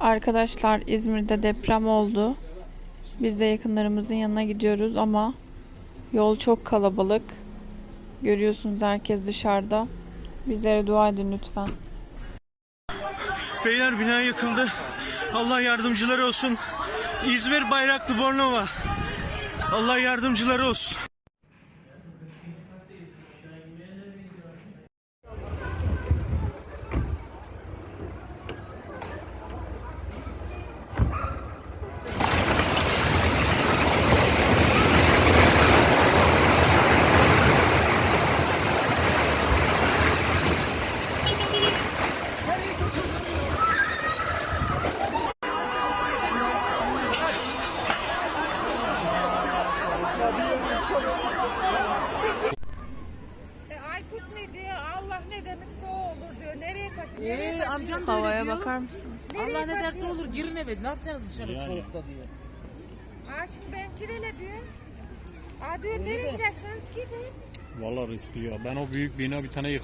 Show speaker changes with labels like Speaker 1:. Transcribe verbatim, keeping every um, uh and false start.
Speaker 1: Arkadaşlar, İzmir'de deprem oldu. Biz de yakınlarımızın yanına gidiyoruz ama yol çok kalabalık. Görüyorsunuz, herkes dışarıda. Bizlere dua edin lütfen.
Speaker 2: Beyler, bina yıkıldı. Allah yardımcıları olsun. İzmir Bayraklı Bornova. Allah yardımcıları olsun.
Speaker 3: E, Aykut ne diyor? Allah ne demişse o olur diyor. Nereye kaçıyor? Nereye
Speaker 4: Ee,
Speaker 3: kaçıyor?
Speaker 4: amcam da
Speaker 1: Havaya
Speaker 4: öyle diyor.
Speaker 1: bakar mısınız?
Speaker 4: Allah ne derse olur, girin eve. Ne yapacağız dışarı soğukta diyor.
Speaker 3: Ha şimdi ben kirele diyor. Ha diyor nereye giderseniz gidin.
Speaker 5: Vallahi riskli ya. Ben o büyük bina bir tane yık